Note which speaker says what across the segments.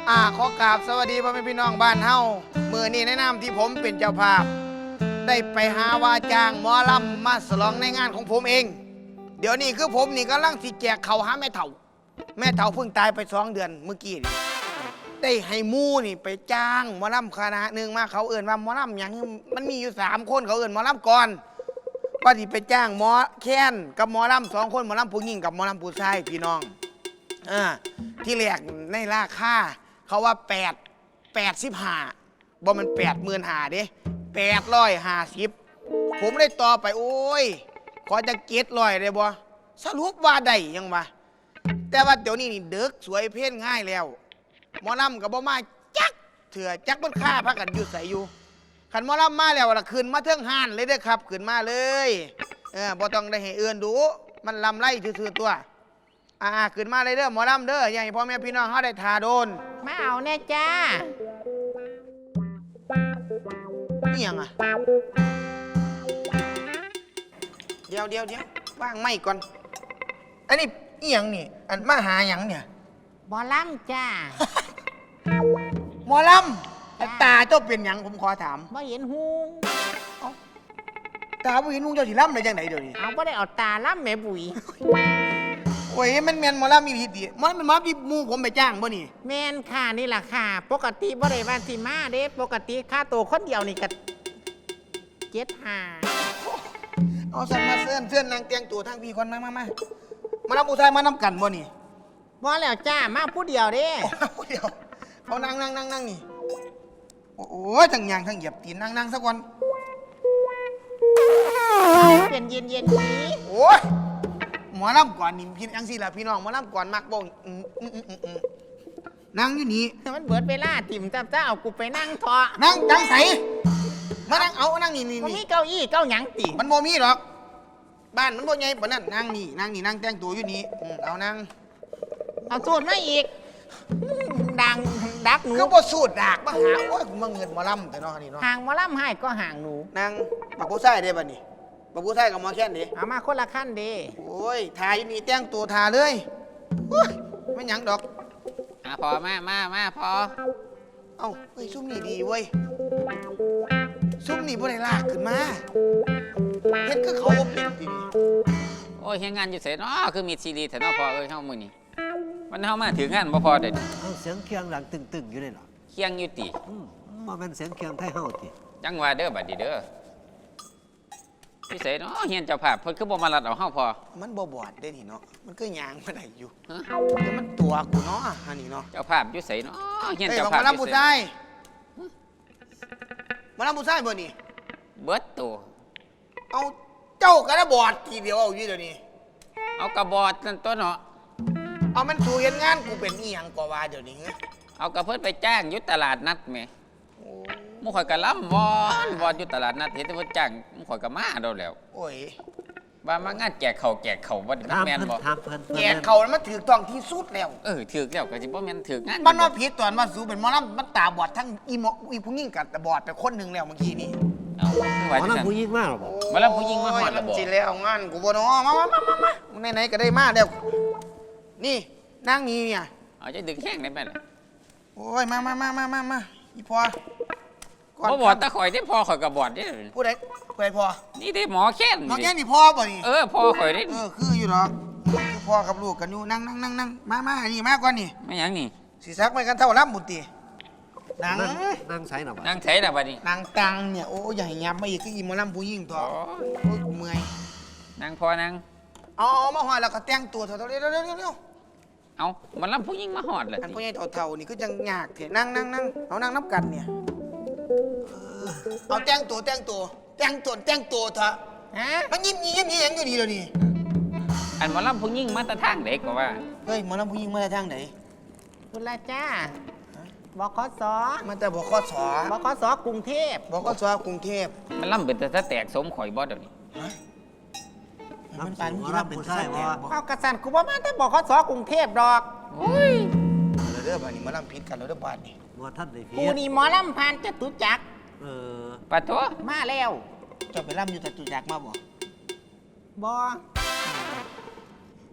Speaker 1: ขอกราบสวัสดีพ่อแม่พี่น้องบ้านเฮามื้อนี้ในนามที่ผมเป็นเจ้าภาพได้ไปหาว่าจ้างหมอลำมาฉลองในงานของผมเองเดี๋ยวนี้คือผมนี่กำลังสิแจกข้าวหาแม่เฒ่าเพิ่งตายไป2 เดือนเมื่อกี้นี่ได้ให้หมู่นี่ไปจ้างหมอลำคณะหนึ่งมาเขาเอิ้นว่าหมอลำหยังมันมีอยู่3 คนเขาเอิ้นหมอลำก่อนว่าสิไปจ้างหมอแค้นกับหมอลำ2 คนหมอลำผู้หญิงกับหมอลำผู้ชายพี่น้องที่แรกในราคาเขาว่า85บ่มัน85,000เด้850ผมได้ต่อไปโอ้ยขอจะ700ได้บ่สรุปว่าได้ยังวะแต่ว่าเดี๋ยวนี้นี่เด็กสวยเพ่นง่ายแล้วหมอลำกับบ่มาจักเถื่อจักมันค่าพักกันอยู่ใส่อยู่ขันหมอลำมาแล้วละขึ้นมาเทิงห้านเลยเด้อครับขึ้นมาเลยบ่ต้องได้ให้เอื้อนดูมันลำไรซื่อๆตัวขึ้นมาเลยเด้อหมอลำเด้ออย่าให้พ่อแม่พี่น้องเขาได้ทาโดน
Speaker 2: มาเอาแน่จ้า
Speaker 1: นี่ยังเดี๋ยวว่างไม่ก่อนอันนี้อีหยังนี่อันมาหาหยังเนี่ย
Speaker 2: หมอลำจ้า
Speaker 1: หมอลำตาเจ้าเป็นหยังผมขอถาม
Speaker 2: บ่เห็นหู
Speaker 1: ตาบ่เห็นหูเจ้าสิลำได้จังไหนเดี๋ยวนี้
Speaker 2: เอาบ่ได้เอาตาลำแม่บุ๋ย
Speaker 1: โอ้ยมันแม่นหมอลำมีผิดดิมันเป็นหมอที่หมู่ผมไปจ้างบ่นี่
Speaker 2: แม่นค่ะนี่ล่ะค่ะปกติบ่ได้ว่าสิมาเด้ปกติค่าตัวคนเดียวนี่ก็75
Speaker 1: เอาสั่นมาเสื้อนนางเตียงตัวทางพี่คนมาลำผู้ชายมานำกันบ่นี่
Speaker 2: บ่แล้วจ้ามาผู้เดียวเด้
Speaker 1: ผู้เดียวเอานั่งนี่โอ้ยทั้งยางทั้งเหยียบตีนนั่งสักวัน
Speaker 2: เป็นเย็นนี้
Speaker 1: โอ้ยหมอลำก่อนนี่พี่ยังสิล่ะพี่น้องหมอลำก่อนมักบ่งนั่งอยู่นี่
Speaker 2: มันเบิดเวลาติ่มจ้าเอากูไปนั่งเถาะ
Speaker 1: นั่งจังใสมานั่งเอานั่งนี่
Speaker 2: มันมีเก้าอี้เก้าหยังติ
Speaker 1: มันบ่มีหรอกบ้านมันบ่ใหญ่ปานนั้นนั่งนี่นั่งแต่งตัวอยู่นี่เอานั่ง
Speaker 2: เอาสูตรมาอีกดักหนู
Speaker 1: ก็บ่สูตรดักมาหาโอ้ยกูมาเงินหมอลำแต่เนาะนี่เนาะ
Speaker 2: ห่างหมอลำให้ก็ห่างหนู
Speaker 1: นั่งบักผู้ชายเด้บัดนี้บักผู้ชายกับหมอแค้นเด้
Speaker 2: เอามาคนละขั้นเด้
Speaker 1: โอ้ยทาอยู่นี่แต่งตัวทาเลยโอ้ยไม่หยังดอก
Speaker 2: พอมาพอ
Speaker 1: เอ้าเฮ้ยซุ่มนี่ดีเว้ยซุ่มนี่บ่ได้ลากขึ้นมาเฮ็ดคือเขาบ่เป็นติ
Speaker 3: โอ้ยเฮ็ดงานอยู่ไสเนาะคือมีซีรีส์แถวเนาะพอเอ้ยเฮามื้อนี้มันเฮามาถึงงานบ่พอเด้
Speaker 4: เสียงเคียงหลังตึงๆอยู่เลยเหรอ
Speaker 3: เคียงอยู่ติ
Speaker 4: บ่แม่นเสียงเคียงไทยเฮาติ
Speaker 3: จังว่าเด้อบัดนี้เด้อพี่ไสเนาะเฮียนเจ้าภาพเพิ่นคือบ่มารัดเอาเฮาพอ
Speaker 1: มันบ่บอดเด้นี่เนาะมันคือยางมาได้อยู่เดี๋ยวมันตัวกูเนาะอันนี้เนาะ
Speaker 3: เจ้าภาพอยู่ไสเนาะเฮียนเจ้าภาพ
Speaker 1: มาลำผู้ชายมาลำผู้ชายบ่นี่
Speaker 3: เบิดตัว
Speaker 1: เอาเจ้าก็ได้บอดทีเดียวเอาอยู่เดี๋ยวนี้
Speaker 3: เอากระบอดนั่นตัวเนาะ
Speaker 1: เอามันสู่เฮ็ดงานกูเป็นอีหยังกว่าเดี๋ยวนี้
Speaker 3: เอากระเพิ่นไปจ้างอยู่ตลาดนัดแหมหมู่ข่อยก็ล้ำวอนอยู่ตลาดนัดเห็นแต่เพิ่นจ้างหมู่ข่อยก็มาโดนแล้ว
Speaker 1: โอ้ย
Speaker 3: ว่ามางานแจกข้าวบ่ได้แม่นบ่
Speaker 1: แจกข้าวมันถูกต้องที่สุดแล้ว
Speaker 3: ถูกแล้วก็สิบ่แม่นถูกงาน
Speaker 1: มันว่าผิดตอนว่าสู่เป็นหมอลำมันตาบอดทั้งอีผู้หญิงกับตาบอดไปคนนึงแล้วเมื่อกี้นี่
Speaker 3: เอา
Speaker 4: หมอลำผู้หญิงมาหรอบ่
Speaker 3: หมอลำผู้หญิงมาฮอดแล้วบ่
Speaker 1: สิแล้วงานกูบ่เนาะมาไหนๆก็ได้มาแล้วนี่นางนี่เนี่ย
Speaker 3: เอาจะดึงแข้งได้ไหมล่ะ
Speaker 1: โอ้ยมาอีพอ
Speaker 3: บ่บอดตะข่อยได้พอข่อยกับบอดได้
Speaker 1: ผู้ใดพอ
Speaker 3: นี่ได้หมอแค้น
Speaker 1: นี่พ่อบ่นี่
Speaker 3: พ่อข่อยได้
Speaker 1: คืออยู่หรอกคือพ่อกับลูกกันอยู่นั่งมานี่มาก่อนนี่
Speaker 3: ไม่ยังนี่
Speaker 1: สิซักไม่กันเท่าล้ำบุตรี
Speaker 4: นั่งใส่หน่อย
Speaker 3: นั่งใส่หน่อยบัดนี้
Speaker 1: นั่งตังเนี่ยโอ้ยใหญ่ยับมาอีกคืออีหมอลำผู้หญิงตัวโอ้ยเมื่อย
Speaker 3: นั่งพอนั่ง
Speaker 1: เอามาหอดแล้วก็แต่งตัวเร็ว
Speaker 3: เอามันลำผู้หญิงมาหอดเลย
Speaker 1: อันผู้ใหญ่เท่านี่ก็จังยากเถอะนั่งเอานั่งนับกันเนี่ยเอาแต่งตัวเถอะมันยิ้มอย่างอยู่ดีเลยนี่
Speaker 3: อันมันลำผู้หญิงมาแต่ทางไหนก็ว่า
Speaker 1: เฮ้ยหมอลำผู้หญิงมาแต่ทางไหน
Speaker 2: คุณละจ้าบขส
Speaker 1: มาแต่บขส
Speaker 2: กรุงเทพ
Speaker 3: มันลำเป็นแต่แตกสมข่อยบอสเดี๋ยวนี้
Speaker 4: มันเป็นหมอลำผู้ชายบ่
Speaker 2: เอากระสันกูว่ามาแต่บขสกรุงเทพดอก
Speaker 1: เรื่องบ้านนี้หมอลำผิดกันแล้วเรื่องบ้านนี่
Speaker 4: บ่ท่านได้ผิด
Speaker 2: กูนี่หมอลำผ่านจตุจักร
Speaker 3: ปะตัว
Speaker 2: มาแล้ว
Speaker 1: จะไปลำอยู่จตุจักรมาบ่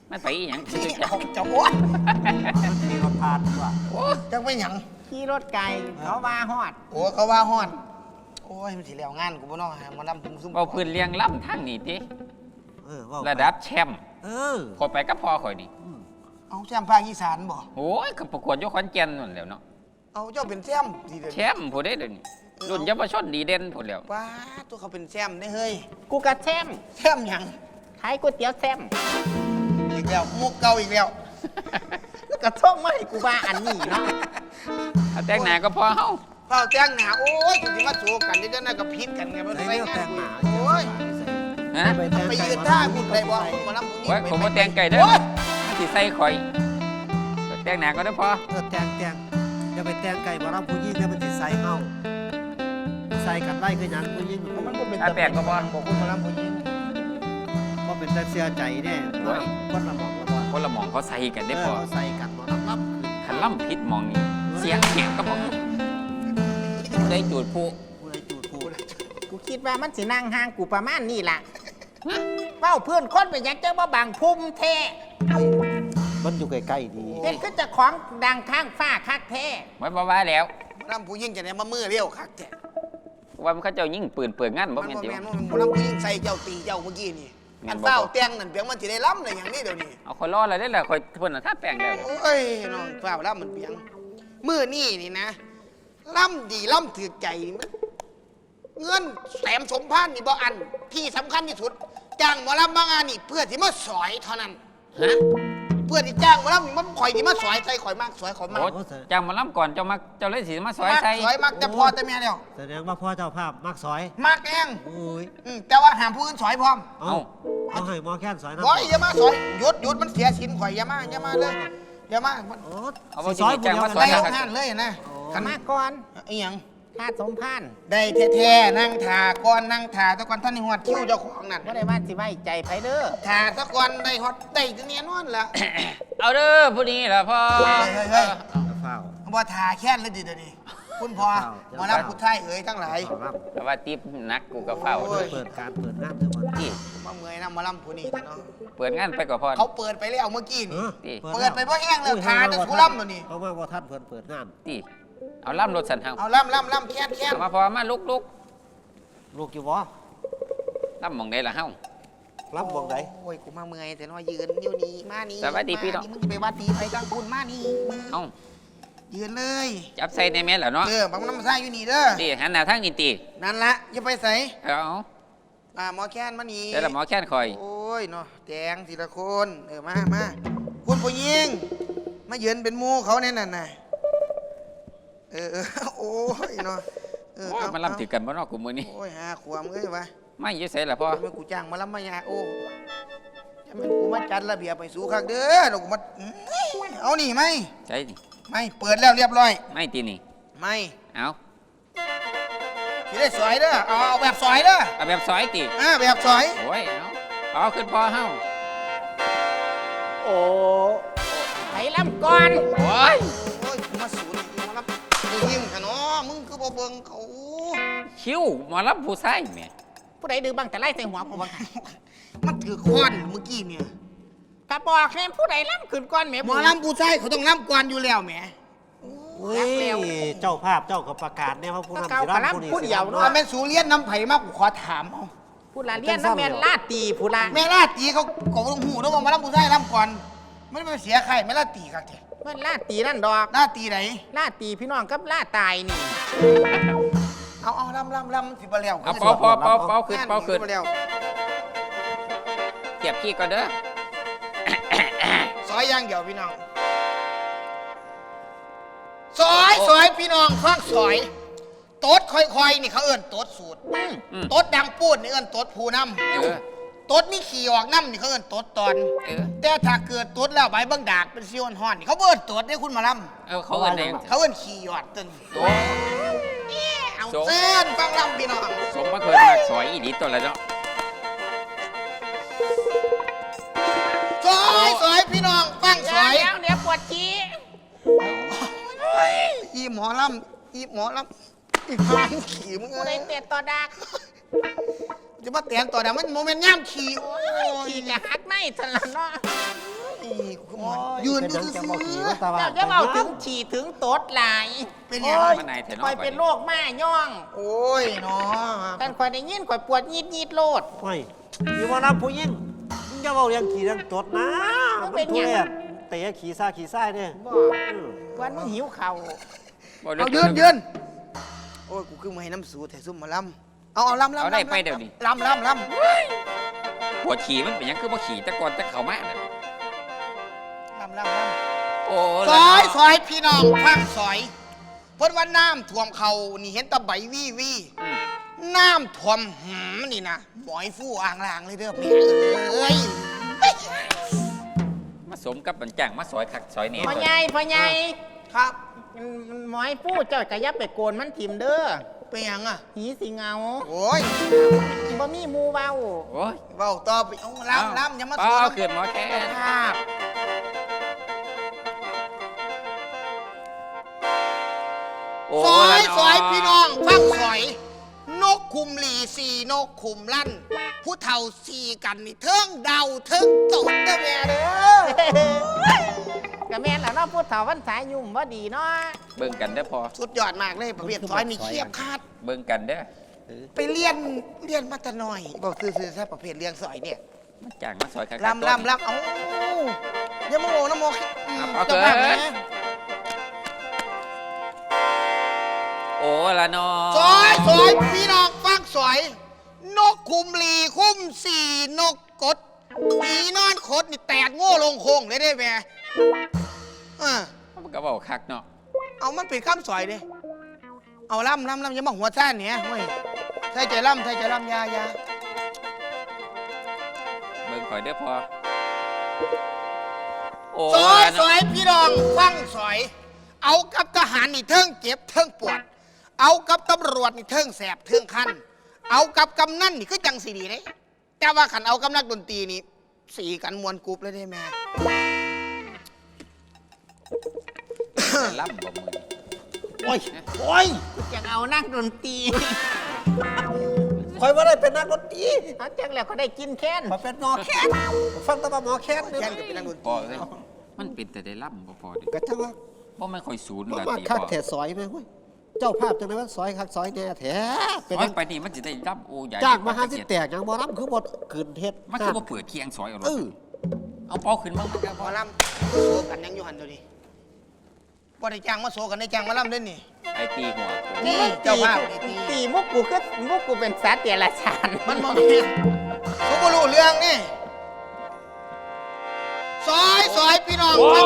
Speaker 3: มันไปอีหยัง
Speaker 1: เอาจะโอ้ย
Speaker 4: มันมีรถพานกว่า
Speaker 1: โอ้ยจังไปหยัง
Speaker 2: ขี่รถไก่เขาว่าฮอด
Speaker 1: โอ้เขาว่าฮอดโอ้ยมันสิแล้วงานกูบ่เนาะหมาลำซุ่ม
Speaker 3: เอาพื้นเลี้ยงล่ำทั้งนี่ติ
Speaker 4: ว่า
Speaker 3: ระดับแชมป์
Speaker 4: อ
Speaker 3: ข่อยไปกับพ่อข่อยนี่
Speaker 1: เอาแซมภาคอีสานบ่
Speaker 3: โอ้ยก็ประกวดอยู่ขอนแก่นนั่นแหล้วเนาะ
Speaker 1: เอาเจ้าเป็นแซมดีเด้อ
Speaker 3: แชมป์ผู้ใดเดี๋ยวนี้รุ่นเยาวชนดีเด่นผู้แล้ว
Speaker 1: ว้าตัวเขาเป็นแซมได้เฮ้ย
Speaker 2: กูกระแซม
Speaker 1: แซมหยัง
Speaker 2: ขายก๋วยเตี๋ยวแซม
Speaker 1: อีกแล้วมุกเก่าอีกแล้ว
Speaker 2: กระท่องมาให้กูว่าอันนี้เนาะ
Speaker 3: เอาแต่งหน้าก็พอเฮา
Speaker 1: เฝ้าแจ้งหนาโอ้ยกูสิมาสู้กันเดี๋ยวจะน่ากับพิษกันไงมัน
Speaker 4: ใส่
Speaker 1: ใส่
Speaker 4: เนื้อ
Speaker 1: งา
Speaker 4: แต่
Speaker 1: น
Speaker 4: ง
Speaker 1: กู
Speaker 4: หนา
Speaker 1: โอ้ย
Speaker 3: ฮะ
Speaker 1: ไปยืนท่าคุณได้บ่คุณหมาลำคุณ
Speaker 3: โอ้ยผมบ่แต่งไก่เด้อสิใส่ข่อยแต่งหน้าก็ได้พอ
Speaker 4: แต่งอย่าไปแต่งไก่มารับผู้หญิงเนี่ยมันจะใส่เฮาใส่กันไล่คือหยังผู้หญิง
Speaker 1: มันก็เป็น
Speaker 3: อาแปลกก็พอ
Speaker 1: บอกคุณหมาลำคุณยิง
Speaker 4: ก็เป็นแต่เสียใจแน่คนละหมองละบอล
Speaker 3: คนละหมองเขาใส่กันได้พอ
Speaker 4: เขาใส่กันมารับ
Speaker 3: คันล่ำพิษหมองนี่เสียงแหบก็บอกผู้ใดจูดผู้
Speaker 4: ผู้ใดจูดผู้
Speaker 2: กูคิดว่ามันสินั่งห่างกูประมาณนี้ล่ะเว้าเพื่อนคนไปยังเจ้าบ่บางพุ่มแท้
Speaker 4: มันอยู่ใกล้ๆดี
Speaker 2: เป็นก็จะของดังข้างฟ้าคักแท้
Speaker 3: ไว้บ่ว่าแล้ว
Speaker 1: หมาลำผู้ยิงจะได้มามือเร็วคักแท้
Speaker 3: ว่ามันเขาเจ้ายิ่งปืนเปิดงานบ่
Speaker 1: มัน
Speaker 3: แม่น
Speaker 1: บ่
Speaker 3: ติ
Speaker 1: แม่นมันหมาลำผู้ยิงใส่เจ้าตีเจ้าเมื่อกี้นี่อันเฝ้าแต้งนั่นเพียงมันสิได้ล้ำเลยอย่างนี้เดี๋ยวนี้
Speaker 3: เอาคนรอดอะไรได้ล่ะคอยเพิ่นน่ะถ้าแปลงแล้ว
Speaker 1: โอ้ยน้องเฝ้าล้ำมันเพียงมือนี่นี่นะล้ำดีล้ำถือใจมันเงินแสมสมพันธ์นี่บ่อันที่สำคัญที่สุดจ้างหมอลำบางงานนี่เพื่อที่มาสอยเท่านั้น
Speaker 3: ฮะ
Speaker 1: เพื่อที่จ้างหมอลำนี่มันข่อยที่มาสอยใส่ข่อยมากสอยข่อยมาก
Speaker 3: โอ้จ้างมาล่ำก่อนเจ้ามักเจ้าเลยสิมาซอย
Speaker 1: มาก
Speaker 3: ใส่
Speaker 1: สอยมากแต่พอแต่แม่เดียว
Speaker 4: แสดงว่าพ่อเจ้าภาพมักซอย
Speaker 1: มากเอง
Speaker 4: โอ้ย
Speaker 1: แต่ว่าห้ามผู้อื่นสอยพร้อม
Speaker 4: เอาให้หมอแค้นซอยนะ
Speaker 1: โอ้ยอย่ามาสอยหยุดมันเสียสินข่อยอย่ามาเลยอย่ามามัน
Speaker 4: โอ้
Speaker 3: เอาบ่
Speaker 4: ซอย
Speaker 3: สิจ้างมาซอ
Speaker 1: ไล่
Speaker 3: ย
Speaker 1: ออก
Speaker 3: ครับ
Speaker 1: งานเลยนะ
Speaker 2: กันมาก่อน
Speaker 1: อีหยัง
Speaker 2: ค่าสมพันธ์
Speaker 1: ได้แท้ๆนั่งถ่าก่อนนั่งถ่าตะกอนท่านนี่หอดคิ้วเจ้าของนั่น
Speaker 2: บ่ได้ว่าสิไว้ใจไผเด้อ
Speaker 1: ถ่าตะกอนได้ฮอดได้จะเนียนอนละ
Speaker 3: เอาเด้อผู้นี้ล่ะพ่อ
Speaker 1: เฮ้ย
Speaker 4: เฝ้า
Speaker 1: บ่ถ่าแค้นเลยดิเดี๋ยวนี้คุณพ่อหมารับผู้ไทยเอ๋ยทั้งหลาย
Speaker 4: รับ
Speaker 3: แต่ว่าติ๊บนักกูก็เฝ้า
Speaker 1: โอ้ย
Speaker 4: เปิดการเปิดงานเถอะมัน
Speaker 3: ที่
Speaker 1: มาเมื่อยนะหมาลำผู้นี้เนาะ
Speaker 3: เปิดงานไปก่อนพ่อ
Speaker 1: เขาเปิดไปแล้วเมื่อกี้นี่ เปิด
Speaker 4: แล้ว
Speaker 1: ไปเพราะแห้งแล้วทาจะทุล่ำแล้วนี่
Speaker 4: เพราะว่าท่านเปิดงาน
Speaker 3: ที่เอาล่ำรถสันเฮา
Speaker 1: เอาล่ำแค้น
Speaker 3: เอามาพอมาลุก
Speaker 4: ลูกอยู่วะ
Speaker 3: ล่ำหมองใดล่ะเฮา
Speaker 4: รับวงไหน
Speaker 1: โอ้ยกูมาเมื่อยแต่น้อยยืนอยู่นี่มานี่
Speaker 3: สวัสดีพี่น้อง
Speaker 1: มึงจะไปวัดดีไปกลางคุณมานี่
Speaker 3: เอ้า
Speaker 1: ยืนเลย
Speaker 3: จับใส่ในแม่นแล้วเนาะ
Speaker 1: บางน้ำซ่าอยู่นี่เด้อ
Speaker 3: ที่หันหน้าทางนี้ติ
Speaker 1: นั่นละอย่าไปใส่
Speaker 3: เอา
Speaker 1: หมอแค้นมานี่
Speaker 3: แต่ละหมอแค้นคอย
Speaker 1: โอ้ยเนาะแจงทีละคนมาคุณผู้หญิงมายืนเป็นหมูเขาแน่นน่ะโอ้ยเนาะ
Speaker 3: โอ้ยมันล่ำถือกันบ่เนอกกูมือนี้
Speaker 1: โอ้ยหาขวามเอ้ยวะ
Speaker 3: ไม่อยื้อใส่ล่ะพ่อ
Speaker 1: จะเป็นกูจ้างมาลำมายาโอ้จะเป็นกูมาจัดระเบียบไปสู่คักเด้อเดี๋ยวกูมาเอานี่ไหม
Speaker 3: ใช่นี่
Speaker 1: ไม่เปิดแล้วเรียบร้อย
Speaker 3: ไม่ตีนี่
Speaker 1: ไม่
Speaker 3: เอา
Speaker 1: ที่ได้สอยเด้อเอาแบบสอยเด้อ
Speaker 3: เอาแบบซอยติ
Speaker 1: แบบสอย
Speaker 3: โอ้ยเอาขึ้นพ่อเฮา
Speaker 2: โอ้ไผล้ำก่อน
Speaker 3: โอ้ย
Speaker 1: โอ้ยกูมาสูนกูมารับยิงกันเนาะมึงคือบ่เบิ่งเขา
Speaker 3: คิ้วหมอรับผู้ชายแหม่
Speaker 2: ผู้ใดดื้อบ้างแต่ไล่ใส่หัวกูบ้าง
Speaker 1: มันถือค้อนเมื่อกี้เนี่ย
Speaker 2: กระบอกแค่ผู้ใดล้ำขึ้นก่อนแหม่
Speaker 1: หมอลำผู้ชายเขาต้องลำก่อนอยู่แล้วแหม
Speaker 4: เฮ้ยเจ้าภาพเจ้ากับประกาศเนี่ยว่าผู้นำ
Speaker 2: เก่ากระล้ำผู้เดียว
Speaker 1: ถ้า
Speaker 2: เนาะ
Speaker 1: เป็นสูเลียนน้ำไผ่มากกูขอถามเอา
Speaker 2: ผู้ละเลียนน้ำแม่นลาดตีผู้ละ
Speaker 1: แม่ลาตีเขาต้องหูด้วยว่าหมาลำผู้ชายลำก่อนไม่ไปเสียใครแม่ลาตีครับเถอะ
Speaker 2: แม่นลาดตีนั่นดอก
Speaker 1: ลาตีไหน
Speaker 2: ลาดตีพี่น้องกับลาดตายนี่
Speaker 1: เอาลำมันสิบแล้ว
Speaker 3: เอาเป่าขึ้นเป่าขึ้น
Speaker 1: แล้ว
Speaker 3: เก็บขี้ก่อนเด้อ
Speaker 1: ซอยอย่างเดียวพี่น้องซอยพี่น้องฟังซอยโต๊ดค่อยๆนี่เขาเอิ้นโต๊ดสูตรโต๊ดดังปูดนี่เอิ้นโต๊ดผู้นำโต๊ดมีขี่ออกน้ำนี่เขาเอิ้นโต๊ดตอน แต่ถ้าเกิดโต๊ดแล้วใบเบิ่งดากเป็นซีออนฮอนนี่เขาเอิ้นโต๊ดได้คุณมาล
Speaker 3: เขาเอิ้นเอง
Speaker 1: ำเขาเอิ้นขี่ยอดตึน
Speaker 3: โอ้
Speaker 1: เอาเส้นฟังลำพี่น้อง
Speaker 3: สมมาเคยมาสอยอีดีตัวละเนาะ
Speaker 1: ซอยพี่น้องฟังซอย
Speaker 2: เดี๋ยวปวดขี้
Speaker 1: อีหมอลำอีพานขี่มึง
Speaker 2: ผู้ใดเตะต่อดัก
Speaker 1: จะมาเตียนต่อเดี๋ยวมันโมเมนต์ย่ำขี่โอ้ย
Speaker 2: ขี่จะหักในสันละเนาะ
Speaker 1: กูหมอนยืนอยู่
Speaker 4: จะ
Speaker 1: ซื่
Speaker 4: บ่
Speaker 1: อ
Speaker 4: ขี่
Speaker 1: ๆ
Speaker 4: มันตาบ้า
Speaker 2: เจ้าจะเอาถึงฉี่ถึงตดหลาย
Speaker 1: เป็นยัง
Speaker 3: มันไหนเถอะ
Speaker 2: ค
Speaker 3: เนาะ
Speaker 2: อยเป็นโรคม่าย่อง
Speaker 1: โอ้ยเนาะ
Speaker 2: กันคอยได้ยินคอยปวดยีดโลด
Speaker 4: โอ้ยมีว่ารับผู้หญิงมึงจะเอาเรื่องขี่เรื่องตดนะ
Speaker 2: มันเป็นหยัง
Speaker 4: ทุเรศเตะขี่ซ่าขี่ซ่ายเนี่ย
Speaker 2: บ่วันมึงหิวเข่าว
Speaker 3: บ่ได้
Speaker 1: เอายืนโอ้ยกูคือมาให้น้ำสูแต่ซุ่มมาลำเอาลำ
Speaker 3: เอาได้ไปเดี๋ยวนี้
Speaker 1: ลำ
Speaker 3: หัวขี่มันเป็นหยังคือบ่ขี่แต่ก่อนแต่เข้ามาน่ะ
Speaker 1: ลำ
Speaker 3: โอ้
Speaker 1: ซอยซอยพี่น้องฟังซอยเพิ่นว่าน้ำท่วมเขานี่เห็นแตะใบวี่
Speaker 3: อืม
Speaker 1: น้ำท่วมหืมนี่นะหมอยฟู่อ่างลางเลยเด้อแม่เอ้ย
Speaker 3: มาสมกับบันจ่างมาซอยคักซอยเนี่ย
Speaker 2: พ่อใหญ่
Speaker 1: ครับ
Speaker 2: หมอยปู้เจ้ากะยับไปโกนมันถิ่มเด้อ
Speaker 1: เป็นหยังอ่ะ
Speaker 2: หีสิเงา
Speaker 1: โอ้ย
Speaker 2: บ่มีหมูเว้า
Speaker 3: โอ้ย
Speaker 1: เบาต่อไปเอาลำอย่ามา
Speaker 3: เปล่า
Speaker 1: สู้
Speaker 3: เกินหมอแค่
Speaker 1: ครับ
Speaker 3: โอ้
Speaker 1: ซอย
Speaker 3: ละเนาะ
Speaker 1: ซอยพี่น้องฟังซอย นกคุมหลีสี่นกคุมลั่น ผู้เฒ่าสี่กันนี่เทิงเดาเทิงตดเด้อแม่เด้อ
Speaker 2: กะแม่นแล้วเนาะพูดเถาวันสายยุ่มบ่ดีเนาะ
Speaker 3: เบิ่งกันเด้อพอ
Speaker 1: สุดยอดมากเลยประเภทซอยนี่เคียบคาด
Speaker 3: เบิ่งกันเด้อ
Speaker 1: ไปเรียนมาแต่น้อยบอกซื่อๆซะประเภทเลี้ยงซอยเนี่ย
Speaker 3: มันจ่างมาซอยคักๆ
Speaker 1: ลำเอ้าอย่ามาโง่นะโม
Speaker 3: เอา
Speaker 1: จะ
Speaker 3: เกิ
Speaker 1: บ้าไหม
Speaker 3: นโอ้ละเนาะ
Speaker 1: ซอยพี่น้องฟังซอย นกคุมหลีคุ้มสี่นกกดปีนอนคดนี่แตกโง่ลงโคงเลยได้แม่
Speaker 3: มันก็บอกคักเนาะ
Speaker 1: เอามันเป็นคำซอยเด้เอาลำอย่ามาหัวซ่านเนี่ยเว้ยใช่ใจลำยา
Speaker 3: เบิ่งข่อยเด้อพอโอ้
Speaker 1: ซอย
Speaker 3: ละ
Speaker 1: ซ
Speaker 3: เนาะ
Speaker 1: อยพี่น้องฟังซอย เอากับทหารนี่เทิงเจ็บเทิงปวด เอากับตำรวจนี่เทิงแสบเทิงคัน เอากับกำนันนี่คือจังสีดีเลยแต่ว่าขันเอากับนักดนตรีนี่สีกันมวนกรุ๊ปเลยได้แม่
Speaker 3: ล่ำบ่มือ
Speaker 4: โอ้ย
Speaker 2: อยากเอานักดนตรี
Speaker 4: คอยว่าได้เป็นนักดนตรี
Speaker 2: เอาจังแล้วก็ได้กินแค้น
Speaker 4: มาเป็นหมอแคนฟังแตะหมอแคนเนี่ย
Speaker 1: แข่งกับเป็นนักดนต
Speaker 3: พอ
Speaker 1: รี
Speaker 3: เลยมันเป็นแต่ได้ล่ำบ่พอเดิ
Speaker 4: กระจังว่า
Speaker 3: บ่แม่นค่อยศูนย์
Speaker 4: บ่
Speaker 3: ละ
Speaker 4: มา
Speaker 3: ตี
Speaker 4: คัก
Speaker 3: พอ
Speaker 4: แถซอยไหมเว้ยเจ้าภาพจังได๋ว่าซอยคักซอยแน่แท้เป็น
Speaker 3: ซอยไปนี่มันสิได้ล่ำโอ้ใหญ่
Speaker 4: จ้างมาหาสิแตกหยังบ่รับคือบ่ขืนเฮ็ด
Speaker 3: มันคือบ่เปิดเคียงซอยเอารถ
Speaker 4: เออ
Speaker 3: เอาเป้าขึ้นมามันก็
Speaker 1: ห
Speaker 3: พ
Speaker 1: ม
Speaker 3: อ
Speaker 1: อลำโซกันยังอยู่หันตัวนี้บ่ได้จ้างมาโซกันได้จ้างมาลำเล่นนี่
Speaker 3: ไอ้ตีหัวกู
Speaker 1: นี่เจ้าภาพนี่ตี
Speaker 2: ตีมุกกูคือมุกกูเป็นสัตว์เดรัจฉาน
Speaker 1: มันมองเห็นเขาบ่รู้เรื่องนี่ซอยพี่น้องฟัง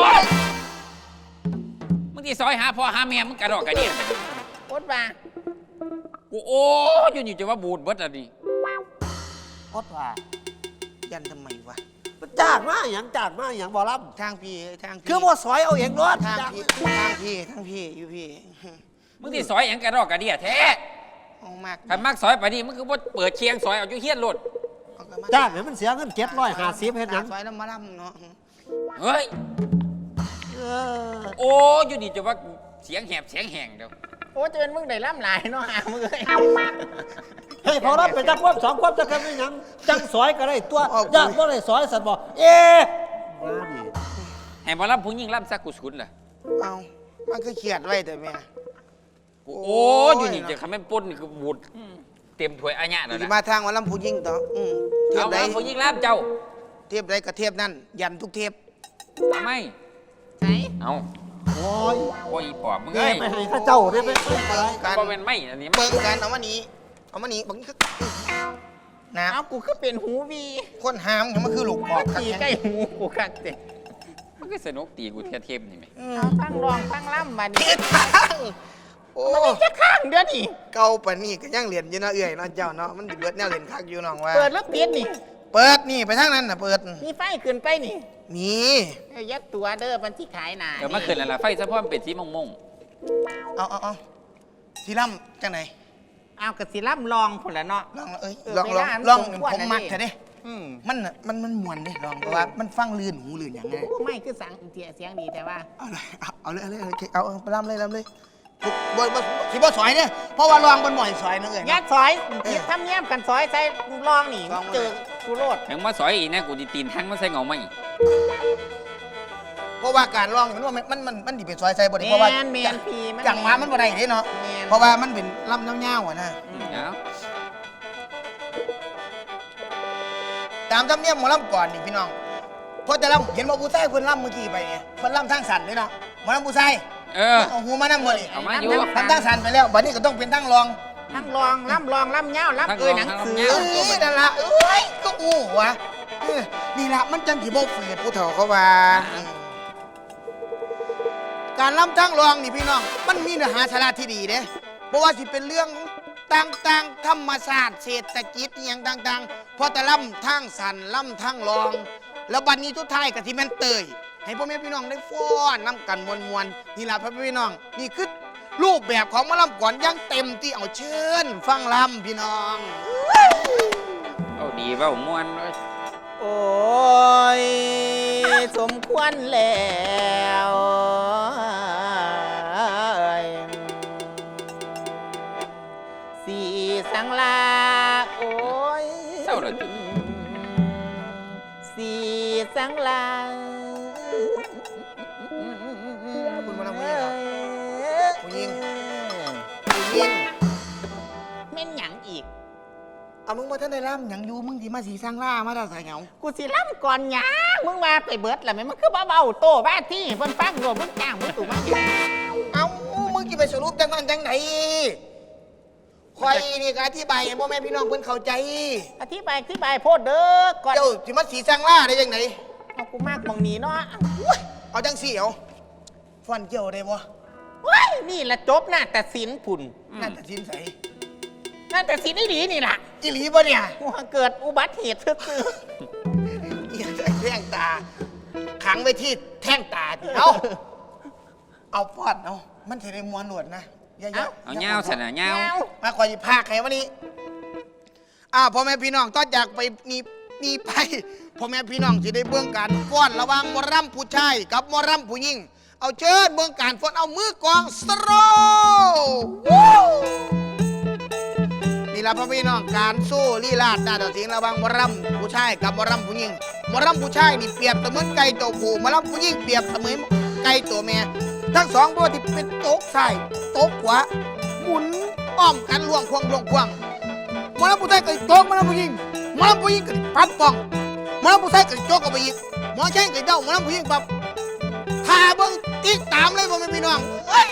Speaker 3: มึงที่ซอยหาพ่อหาแม่มึงกระดอกกระเดี่ย
Speaker 2: โคตรว่า
Speaker 3: กูโอ้อยู่จะว่าบูดเบิดอ่ะนี่
Speaker 4: อดว่า
Speaker 1: ยันทำไมวะ
Speaker 4: จ้างมาหยังจ้างมาหยังบ่รับ
Speaker 1: ทางพี่ทางพี่
Speaker 4: คือบ่ซอยเอาเองรถ
Speaker 1: ทาง
Speaker 4: จ้าง
Speaker 1: พี่อยู่พี่
Speaker 3: มึงที่ซอยหยังกระดอกกระเดี่ยแท้
Speaker 1: เอามาก
Speaker 3: คันมักซอยไปนี่มึงคือบ่เปิดเคียงซอยเอาอยู่เฮียนรถ
Speaker 4: จ้างให้มันเสียเงิน750เฮ็ดหยัง
Speaker 1: ซอยน้ำมาลำเนาะ
Speaker 3: เฮ้ย
Speaker 4: เออ
Speaker 3: โอ้อยู่นี่จะว่าเสียงแหบเสียงแหงเดี๋ยว
Speaker 2: โอ้จะเป็นมึงได้ล่ำหลายเนาะหามึงเลย
Speaker 4: เฮ้ยพอรับไปจักความสองความจักกันเป็นหยังจังซอยก็ได้ตัวอยากบ่ได้ซอยสันบ่เอ๊ะมาดิ
Speaker 3: ให้บ่รับผู้หญิงรับซักกูสุนล่ะ
Speaker 1: เอามันก็เขียดไว้แต่แม่
Speaker 3: กูโอ้อยู่นี่จะคำแม่นป่นนี่คือบูดเต็มถ้วยอาญะแล้ว
Speaker 1: สิ
Speaker 3: นะ
Speaker 1: มาทางวันลำพูยิ่งต่อเทีย
Speaker 3: เอา
Speaker 1: บใด
Speaker 3: มาผู้หญิงรับเจ้า
Speaker 1: เทียบใดกับเทียบนั่นยันทุกเทียบ
Speaker 3: ทำไม
Speaker 2: ใช่
Speaker 3: เอา
Speaker 4: โอ้ย
Speaker 3: โอ้ยปอบมึง
Speaker 4: แก
Speaker 3: เอ้ย
Speaker 4: ไม่ให้ข้าเจ้าได้ไหม
Speaker 1: เบิ่งกัน
Speaker 3: บ่เป็นไม่อันนี้
Speaker 1: เบิ่งกันเอามานี้บางทีก็นะ
Speaker 2: เอากูคือเป็นหูวี
Speaker 1: คนหามมันคือลูกปอกครับ
Speaker 2: ตีใกล้หูกูคักเด็
Speaker 3: มันก็สนุกตีกูเทียเทมนี่ไหม
Speaker 2: เอาทั้งรองทั้งล่ำมาดิ
Speaker 1: เฮ็ดทางโอ้
Speaker 2: มันมีจะข้างเดือนนี่
Speaker 1: เก่าปานนี้ก็ยังเรียนอยู่เนาะเอื้อยเนาะเจ้าเนาะมันสิเบิดแนวเรียนคักอยู่น้องว่า
Speaker 2: เปิดแล้วปิดนี่
Speaker 1: เปิดนี่ไปทางนั้นน่ะเปิด
Speaker 2: มีไฟขึ้นไปนี่
Speaker 1: มี
Speaker 2: ยัดตัวเด้อมันที่ขายหนา
Speaker 3: เดี๋ยวมาขึ้นแล้วล่ะไฟซะเพราะมันเป็นสีมง
Speaker 1: เอาสีล่ำจังไหน
Speaker 2: เอากระสิล่ำลองคนละเนาะ
Speaker 1: ลองเอ้ย
Speaker 2: เออ
Speaker 1: ลอง
Speaker 2: เว
Speaker 1: ลอ
Speaker 2: ลาง มัน
Speaker 1: ลอง
Speaker 2: สมควร
Speaker 1: ผม
Speaker 2: นะ
Speaker 1: มัก
Speaker 2: นี่
Speaker 1: เถอะเด้
Speaker 2: อืม
Speaker 1: มันน่ะมันม่วนเด้ลองเพราะว่ามันฟังลื่นหูลื่นอย่างไง
Speaker 2: ไม่คือสังเสียงดีแต่ว่า
Speaker 1: เอาเลยไปล่ำเลยบ่สิบ่สอยเนี่ยเพราะว่าลองบนหม่อยสอยนะเอ้ย
Speaker 2: ยัดซอยทำแย้มกันซอยใส่ลองนี่
Speaker 1: ลอง
Speaker 2: เจอกูโลด
Speaker 3: ๆถึงมาสอยอีกนะกูจะตีนทั้งมาใส่เงาไม่อีก
Speaker 1: เพราะว่าการร้องมันว่ามันดิเป็นซอยใส่บ่ได้เพราะว่า
Speaker 2: แมนพี่
Speaker 1: จังหวะมันบ่ได้เด้เนาะ
Speaker 2: แม่น
Speaker 1: เพราะว่ามันเป็นลำเงาๆอะนะ
Speaker 3: เอา
Speaker 1: ตามธรรมเนียมหมอลำก่อนนี่พี่น้องเพราะแต่ลำเห็นว่าผู้ชายเพิ่นลำเมื่อกี้ไปเนี่ยเพิ่นลำทางสันเด้เนาะหมอลำผู้ชาย เอาหูมานำบ่นี่
Speaker 3: เอามาอยู่
Speaker 1: ทำทางสันไปแล้วบัดนี้ก็ต้องเป็นทางรอง
Speaker 2: ทั้งรองล่ำเงาล่ำหนังสือ
Speaker 1: นั่นล่ะเอ้ยก็อู้วะนี่ล่ะมันจังสิบ่ฝืดผู้เฒ่าเขาว่าการลำทางรองนี่พี่น้องมันมีเนื้อหาสาระที่ดีเด้เพราะว่าสิเป็นเรื่องต่างๆธรรมศาสตร์เศรษฐกิจอหย่างต่างๆพอแต่ลำทางสันลำทางรอง แล้วบัดนี้ทุกท้ายก็สิแม่นเตยให้พ่อแม่พี่น้องได้ฟ้อนน้ำกันมวนๆนี่ล่ะพ่อแม่พี่น้องนี่คือรูปแบบของหมอลำก่อนอยังเต็มที่เอาเชิญฟังลำพี่น้อง
Speaker 3: เอาดีเว้าม่วนเลย
Speaker 2: โอ้ยสมควรแล้วสีสังลาโอ้ย
Speaker 3: เศร้าเลย
Speaker 2: สีสังลา
Speaker 1: คุณมาทำผู้หญิงผู้หญิง
Speaker 2: แม่นหยังอีก
Speaker 1: เอามึงมาท่านได้ล่ำหยังอยู่มึงที่มาสีสร้างล่ามาได้ใส่เหงา
Speaker 2: กูสิล่ำก่อนหยังมึงมาไปเบิดล่ะแม่มันคือเบาๆโตบ้าที่เพิ่นฟังโดนมึงจ้างมึงตู่มา
Speaker 1: เอามึงจะไปสรุปจังนั้นจังไหนคอยนี่ก็อธิบายให้พ่อแม่พี่น้องเพิ่นเข้าใจ
Speaker 2: อธิบายโพดเด้อก่อน
Speaker 1: เจ้าสิมาสีสร้างล่าได้ยังไง
Speaker 2: เอากูมากมองนี้เนาะ
Speaker 1: เอาจังสี่เอาฟันเกี่ยวได้บ่
Speaker 2: ว้ายนี่ละจบหน้าแต่สินผุ่น
Speaker 1: น่าจะสินใส
Speaker 2: หน้าแต่สินดีนี่ล่ะ
Speaker 1: อีหลีบ่เนี่ย
Speaker 2: ว่าเกิดอุบัติเหตุซื่อ
Speaker 1: อีหยังจะแท่งตาขังไว้ที่แท่งตาดิเอาฟอดเอามันสิได้มวนหนวดนะอย่า
Speaker 3: เอาเงาสนะ
Speaker 2: ๆ
Speaker 3: เงา
Speaker 2: เงา
Speaker 1: มาคอยพากให้วันนี้พ่อแม่พี่น้องต้องจากไปนี่ไปพ่อแม่พี่น้องจะได้เบื้องการฟ้อนระหว่างหมอรำผู้ชายกับหมอรำผู้หญิงเอาเชิญเบื้องการฟ้อนเอามือกองสโตรนี่ละพ่อพี่น้องการสู้ลีลาดหน้าต่อเสียงระหว่างหมอรำผู้ชายกับหมอรำผู้หญิงหมอรำผู้ชายนี่เปรียบเสมือนไก่ตัวผู้หมอรำผู้หญิงเปรียบเสมือนไก่ตัวแม่ทั้งสองตัวที่เป็นโต๊ะซ้ายโต๊ะขวาหมุนอ้อมกันล่วงควงหมอลำผู้ชายก็โจกหมอลำผู้หญิงหมอลำผู้หญิงก็ปัดป้องหมอลำผู้ชายก็โจกกับไปอีกหมอใช่ก็เด้าหมอลำผู้หญิงปั๊บพาเบิ้งติ๊กตามเลยพ่อแม่พี่น้องเอ้ย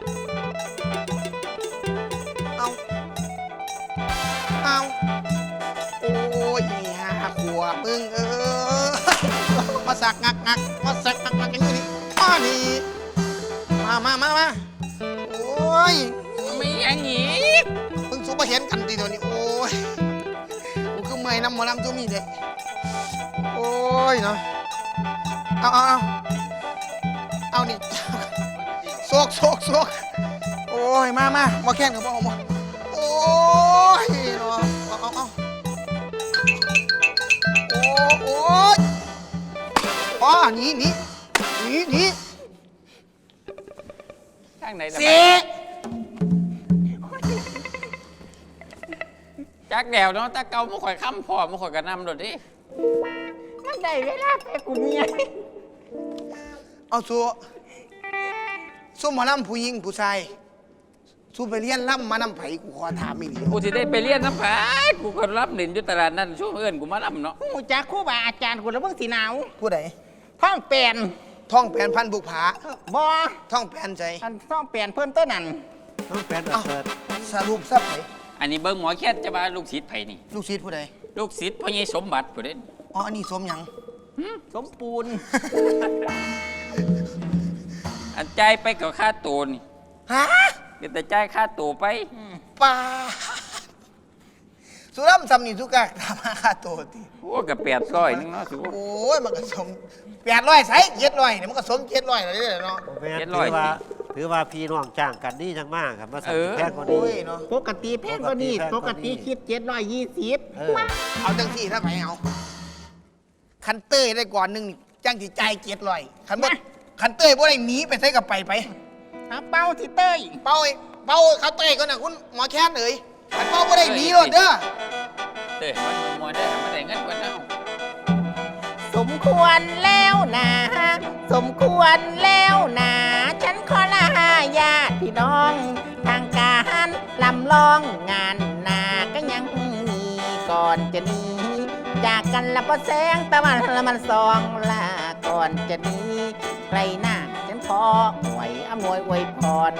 Speaker 1: เอาโอ้ยหาขัวมึงมาสักงักมาสักงักอย่างนี้มานี่มาโอ้ย
Speaker 3: ไม่อย่างงี้
Speaker 1: มึงสู้มาเห็นกันทีเดียวนี้โอ้ยกูคือเมื่อยน้ำหมอลำตัวมีเด็กโอ้ยเนาะเอานี่โซกโอ้ยมาแค่นกับพ่อมาโอ้ยเนาะเอาโอ้ยอ๋อหนี
Speaker 3: ทางไหน
Speaker 1: เสี
Speaker 3: จักแดวเนาะตะเกาไม่ค่อยค้ำพอไม่ค่อยกระนำโดดดิ
Speaker 2: มันได้เวลาไปกูเมีย
Speaker 1: เอาสู้หมอลำผู้หญิงผู้ชายสู้ไปเรียนลำมานำไผกูขอถามอีกที
Speaker 3: กูสิได้ไปเรียนน้ำผากูก็รับเด่นอยู่ตลาดนั่นช่วงเอื้อนกูมาลำเนาะ
Speaker 2: หูจักครู่บาอาจารย์กูแล้วเบิ่งสีหนาว
Speaker 1: ผู้ใด
Speaker 2: ท้องเปลี่ยน
Speaker 1: ท่องแผนพันบุกผา
Speaker 2: บ่
Speaker 1: ท่องแผนใจ
Speaker 2: อันท้องเปลี่ยนเพิ่นต้นนั่น
Speaker 4: ต้องแฟนเปิด
Speaker 1: สรุปซับไหน
Speaker 3: อันนี้เบิ้งหมอแค่จะมาลูกศิษย์ไผนี่
Speaker 1: ลูกศิษย์ผู้ใด
Speaker 3: ลูกศิษย์พ่อใหญ่สมบัติผู้เด่น
Speaker 1: อ๋ออันนี้สมหยัง
Speaker 2: สมปูน
Speaker 3: อันใจายไปกับค่าตัวนี่
Speaker 1: ฮะ
Speaker 3: เดี๋ยวแต่จ่ายค่าตัวไป
Speaker 1: ป่าสุรัมซำนี่ทุกกะทำมาค่าตัวที
Speaker 3: โอ้กับ800นึงเนาะสิ
Speaker 1: โอ้ยมันก็สม800ใส่700เนี่ยมันก็สม700แล้วเนาะ
Speaker 4: แม่ถือว่าพี่น้องจ้างกันนี่จังมากครับมาสั่งแพงกว่า
Speaker 1: โอ้
Speaker 4: นี้
Speaker 1: ยเนาะ
Speaker 2: ปกติแพงกว่านี้ปกติคิด720
Speaker 1: เอาจังสี่ถ้าไปเอาคันเต้ยได้ก่อนหนึงนี่จังสิจ่าย700คันเต้ยบ่ได้หนีไปใส่กับไป
Speaker 2: เอาเป้าที่เต้ย
Speaker 1: เป้าเขาเต้ยก่อนน่ะคุณหมอแค้นเอ้ยคันเป้าบ่ได้หนีโลดเด้อ
Speaker 3: เด้อมันมัวได้อมาได้เงินกว่าเนาะ
Speaker 2: สมควรแล้วนะสมควรแล้วนะฉันขอลาญาติพี่น้อง ทางการลำลองงานนาก็ยังมีก่อนจะหนีจากกันละพอแสงตะวันละมันส่องลาก่อนจะหนีใครหน้าฉันขอหวยอำนวยอวยพร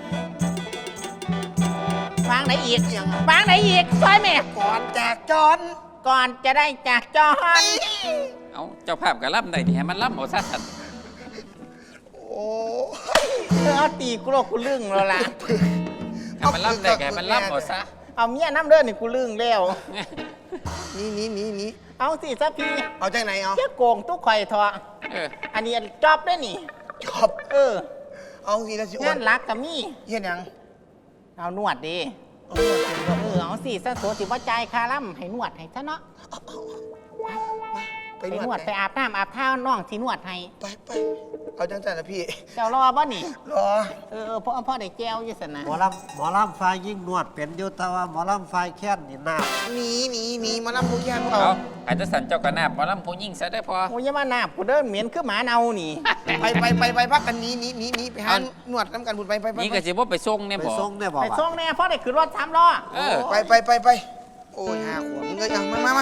Speaker 2: ฟังไหนอีกฟังไหนอีกซอยแม่
Speaker 1: ก่อนจากจอน
Speaker 2: ก่อนจะได้จากจอน
Speaker 3: เอาเจ้าภาพก็ล่ำได้ที่ให้มันล่ำเอาซะสัน
Speaker 1: โอ้
Speaker 2: เอาตีกูโลกกูลึงแล้วล่ะ
Speaker 3: ให้มันล่ำได้ก็ให้มันล่ำเอาซะ
Speaker 2: เอาเมียน้ำเด้อนี่กูลึงแล้ว
Speaker 1: นี่
Speaker 2: เอาสิซะพี่
Speaker 1: เอาจากไหนเอา
Speaker 2: เจ้าโกงตุ๊กข่อยทอะ
Speaker 3: เออ
Speaker 2: อันนี้จอบด้วยนี่
Speaker 1: จอบ
Speaker 2: เออ
Speaker 1: เอาสิแล้วสิอ้ว
Speaker 2: งาน นรักกับมี่
Speaker 1: เฮ็ดหยัง
Speaker 2: เอานวดดี
Speaker 1: เอาเงินเป็นบ่
Speaker 2: เอาสิซะโสสิว่าจ่ายค่าล่ำให้นวดให้ซะเนาะ
Speaker 1: ไป
Speaker 2: ไป
Speaker 1: น
Speaker 2: น
Speaker 1: ว
Speaker 2: ว
Speaker 1: ด
Speaker 2: ดไปอาบน้ำอาบท่าน้องที่นวดให้
Speaker 1: ไปเอาจังแต่ละพี่
Speaker 2: เจ้ารอบ่นี่
Speaker 1: รอ
Speaker 2: พ่อได้แก้วอยี่สนะ
Speaker 4: หมอลำไฟยิ่งนวดเป็นอยู่แต่ว่าหมอลำไฟแค้นนี่น้
Speaker 1: หนีมารับผู้แค้น
Speaker 3: เอาอาจจะสั่นเจ้ากระนาบหมาล่ำผู้ยิ่งซะได้พอ
Speaker 2: โอ้ยอย่ามาหนาบกูเดินเหม็นคือหมาเน่านี่
Speaker 1: ไปพักกันหนีไปหาหนวดน้ำกันบุญไป
Speaker 3: นี่ก็สิว่าไปส่ง
Speaker 4: ำ
Speaker 3: เนี่ย
Speaker 4: ไป
Speaker 3: บ่
Speaker 4: ส่งเนี่ยบอก
Speaker 2: ไป
Speaker 4: ว่า
Speaker 2: ส่งแน่พ่อได้ขึ้นรถ3 ล้อ
Speaker 3: เออ
Speaker 1: ไปโอ้ยหาขวบมึงเลยเอามา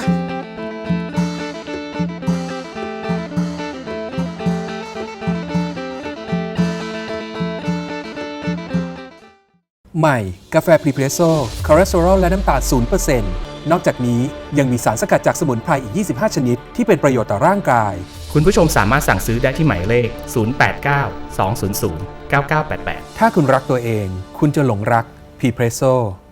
Speaker 5: ใหม่ กาแฟพรีเพรสโซ่คอเลสเตอรอลและน้ำตาล0%นอกจากนี้ยังมีสารสกัดจากสมุนไพรอีก 25 ชนิด ที่เป็นประโยชน์ต่อร่างกาย
Speaker 6: คุณผู้ชมสามารถสั่งซื้อได้ที่หมายเลข 089 200 9988
Speaker 5: ถ้าคุณรักตัวเอง คุณจะหลงรักพรีเพรสโซ่